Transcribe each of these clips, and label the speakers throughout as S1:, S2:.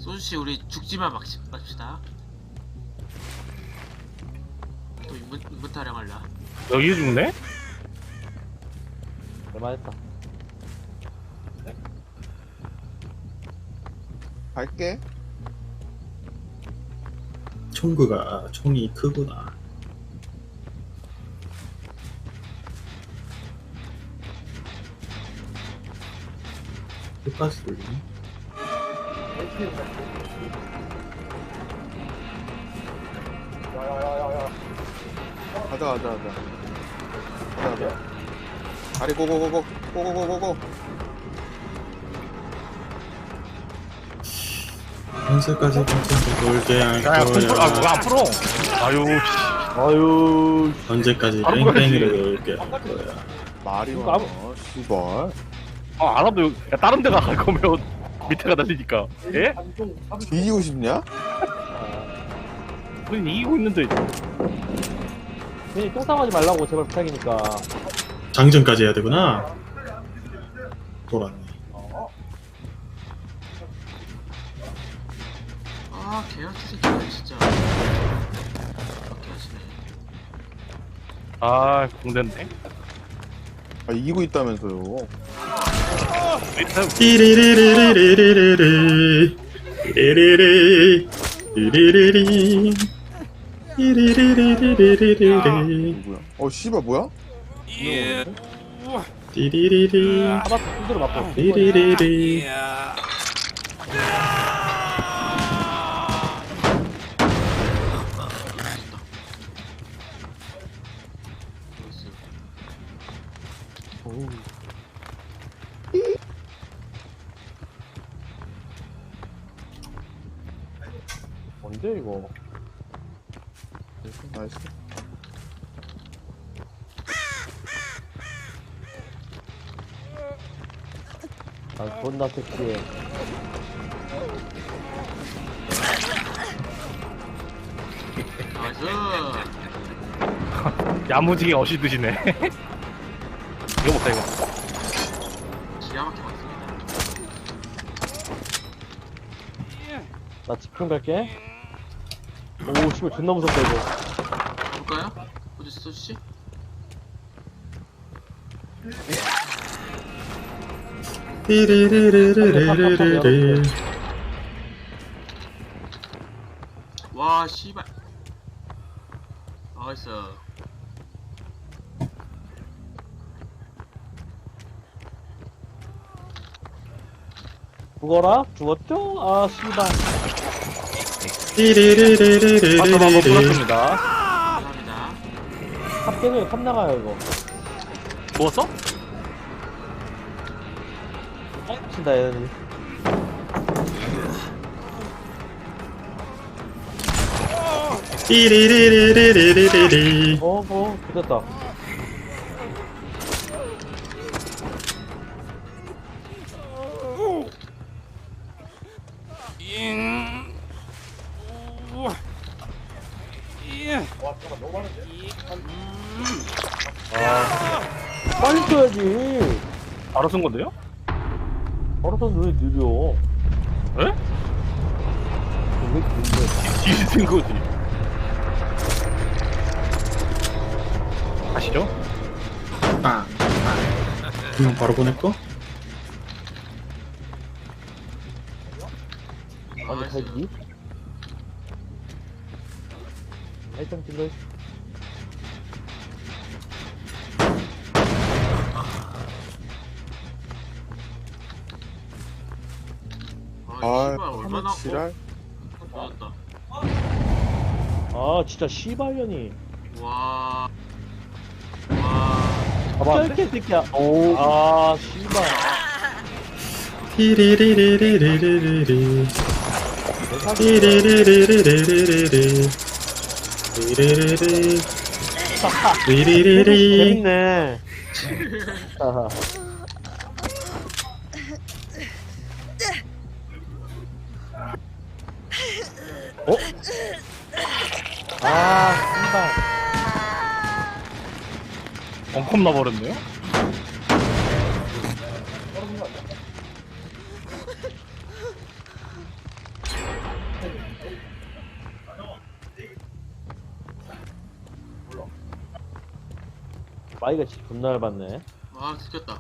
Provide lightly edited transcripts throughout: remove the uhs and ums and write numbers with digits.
S1: 소주씨 우리 죽지만 맙시다. 또 인분 타령할라.
S2: 여기 죽네?
S3: 얼마했다.
S4: 갈게.
S5: 총구가 총이 크구나. 끝까지 돌리네.
S4: 가자. 다리 고고고고.
S5: 현실까지 괜찮게 돌게 할
S2: 야, 콩풀, 아, 뭐가
S5: 거야.
S2: 앞으로? 아유,
S3: 아유,
S5: 언제까지
S2: 바로
S5: 뺑뺑이를 돌게 할 거야.
S4: 말이
S3: 이거
S4: 많아. 씨발.
S2: 아, 알아도, 야, 다른 데가 갈 거면 밑에가 날리니까. 예?
S4: 뒤지고 싶냐?
S2: 우린 이기고 있는데.
S3: 괜히 똥싸하지 말라고 제발 부탁이니까.
S5: 장전까지 해야 되구나. 돌았네.
S1: 아 개같은 새끼야 진짜. 이렇게 하시네.
S2: 아, 공대인데.
S4: 아, 이기고 있다면서요.
S2: 밑에,
S5: 띠리리리리리리리리 띠리리리 띠리리리 띠리리리리리리리
S4: 누구야? 씨발 뭐야?
S5: 띠리리리
S3: 하바스 두드려 맞고.
S5: 띠리리리
S1: 나이스.
S3: 어우. 뭔데 이거?
S4: 나이스.
S3: 아 존나 섹시해.
S1: 나이스.
S2: 야무지게 어시드시네. 이거 못다, 이거.
S1: 기가 막히게 맞습니다.
S3: 나 집중 갈게. 오 씨발 존나 무섭다 이거.
S1: 볼까요? 어디 있어 소주씨?
S5: 띠리리리리리리리
S1: 와 씨발. 나이스.
S3: 죽어라? 죽었죠? 아 씨발.
S5: 띠리리리리리리리
S2: 바텀 한번 풀었습니다.
S1: 감사합니다.
S3: 탑 깨져요. 탑 나가요 이거.
S2: 누웠어?
S3: 친다 얘는.
S5: 띠리리리리리리리
S3: 됐다. 빨리 써야지.
S2: 바로 쓴 건데요?
S3: 바로 son왜 느려?
S2: 에?
S3: 왜 느려?
S2: 뒤에 쓴 거지. 아시죠?
S5: 빵 그럼 바로 보낼거?
S3: 아니
S1: 나이스.
S3: 갈기? 일단 딜러.
S1: 아 씨발
S4: 아,
S1: 얼마나
S4: 지랄.
S1: 좋았다.
S3: 아 진짜 씨발년이.
S1: 와. 와.
S3: 짧게 새끼야. 오. 아 씨발.
S5: 띠리리리리리리리 띠리리리리리리리 띠리리리 띠리리리
S3: 재밌네. 아하. 어? 아 씨발.
S2: 엉컴 나버렸네요?
S3: 마이가 진짜 존나 얇았네.
S1: 와 들켰다.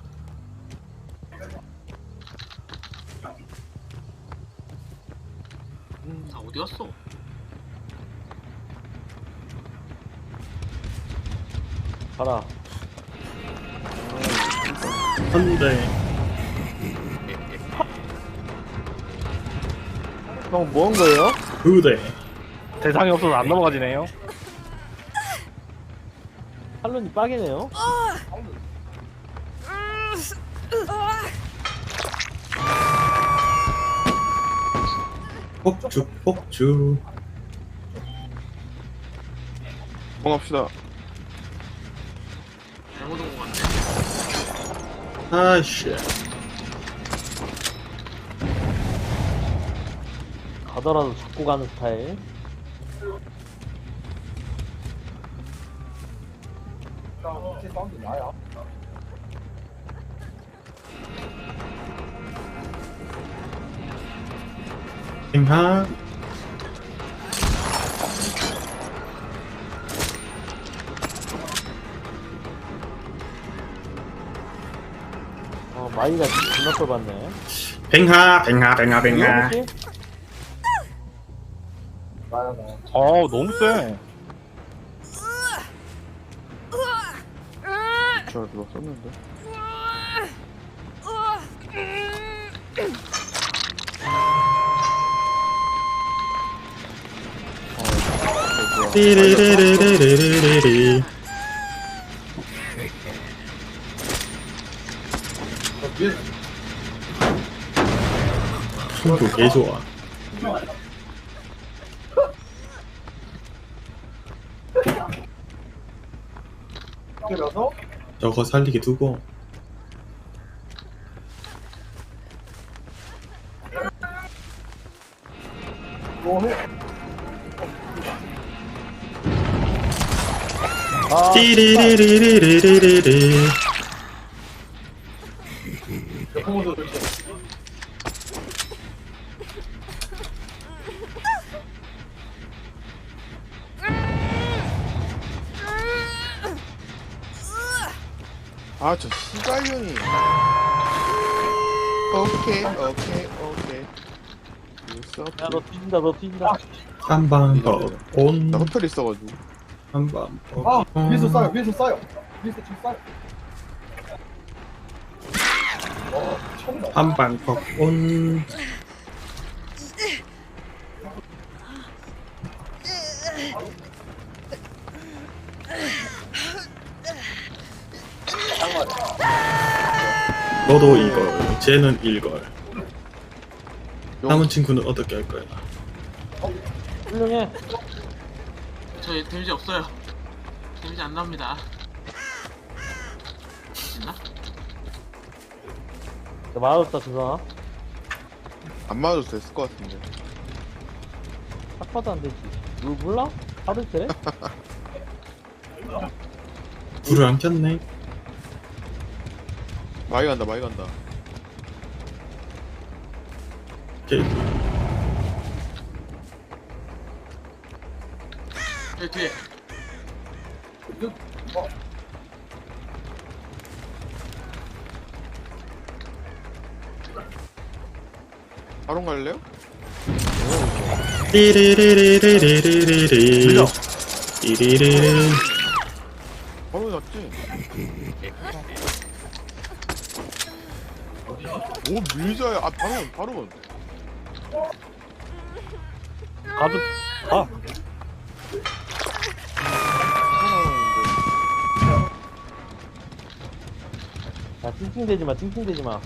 S1: 다 어디 갔어?
S3: 가라.
S5: 한대.
S3: 형, 뭐 한 거예요?
S5: 두 대.
S2: 대상이 없어서 안 넘어가지네요.
S3: 탈론이 빠개네요.
S5: 폭죽, 폭죽.
S4: 공합시다.
S1: 잘못 온 것 같네.
S5: 아씨.
S3: 가더라도 잡고 가는 스타일.
S5: 빙하.
S3: 마이가 진짜 존나 꼴봤네.
S5: 빙하, 빙하, 빙하, 빙하.
S3: 이거지?
S2: 너무 세.
S4: 제가 누가 썼는데.
S5: 띠리리리리리리리. 승부 개 좋아. 저거 살리게 두고. 띠리리리리리리리.
S4: 아, 저 씨발년이. 오케이.
S3: 야, 너 뒤진다, 너 뒤진다.
S5: 한방 더 온.
S4: 나 호텔 있어가지고.
S5: 한방 더 온.
S6: 위에서 싸요. 위에서 지금 싸요.
S5: 한방 더 온. 너도 이걸, 쟤는 일걸. 남은 친구는 어떻게 할 거야?
S3: 훌륭해.
S1: 저 데미지 없어요. 데미지 안 나옵니다. 있나?
S3: 나 맞았다, 주사.
S4: 안 맞아도 됐을 것 같은데.
S3: 딱 봐도 안 되지. 몰라? 하드 돼?
S5: 불을 안 켰네.
S4: 마이 간다.
S5: 오케이.
S1: 여기 뒤에.
S4: 바로 갈래요?
S5: 띠리리리리리리리. 띠리리.
S4: 바로 잡지. 오, 밀자야. 아, 바로.
S2: 가도 가.
S3: 야, 찡찡대지 마, 찡찡대지 마.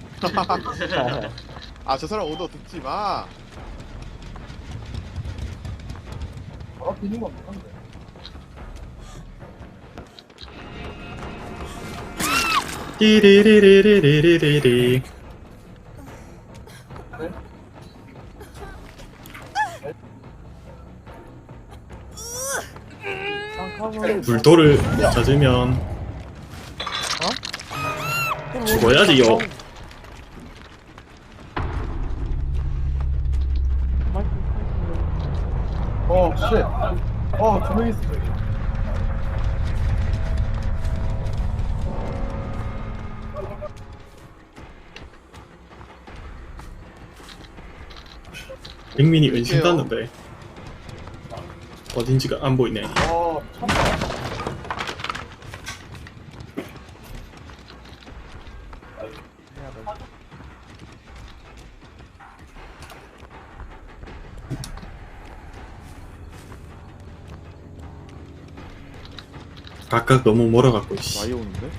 S4: 아, 저 사람 오더 듣지 마.
S6: 비는 거 없는데.
S5: 띠리리리리리리리. 불도를 젖으면 죽어야지요.
S6: 쉣. 두 명 있어.
S5: 백민이 은신 땄는데 어딘지가 안 보이네.
S6: 아, 미쳤다.
S5: 각각 너무 멀어갖고 씨.
S4: 많이 오는데?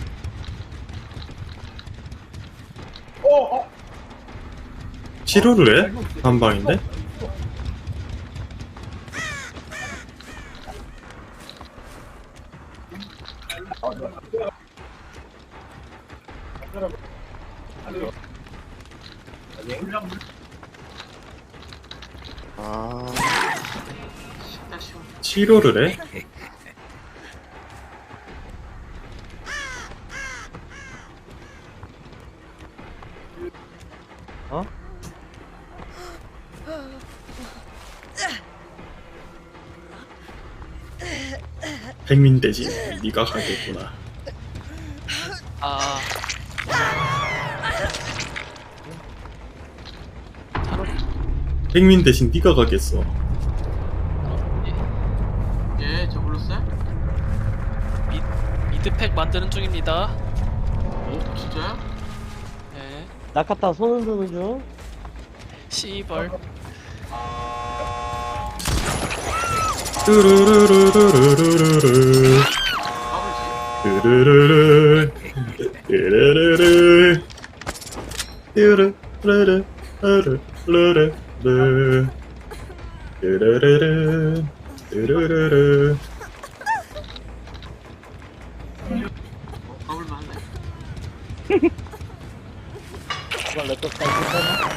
S5: 치료를 해? 한 방인데?
S4: 아,
S1: 쉽다 쉬워.
S5: 치료를 해?
S3: 어?
S5: 백민 대신 네가 가겠구나.
S7: 아
S5: 백민 대신 네가 가겠어.
S1: 예, 저 불렀어요?
S7: 미드팩 만드는 중입니다.
S1: 오, 진짜요?
S7: 네.
S3: 나카타 손 흔드는 중.
S7: 씨벌.
S5: 뚜루루루루루루루
S1: 까불지?
S5: 뚜루루루 뚜루루루 뚜루루루 뚜루루루 뚜루루루 뚜루루루
S1: 까불만 한데.
S3: 이걸 랩터까지 했나?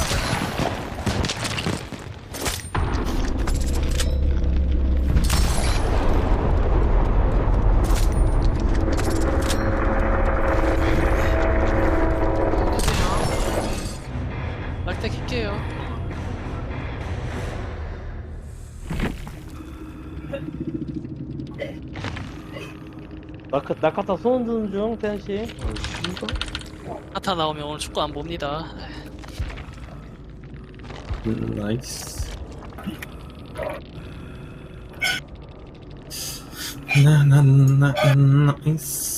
S7: 낙태 킬게요.
S3: 나카타 손 흔드는 중, 태연씨.
S7: 하타 나오면 오늘 축구 안 봅니다.
S5: 나이스. 나나나 나이스.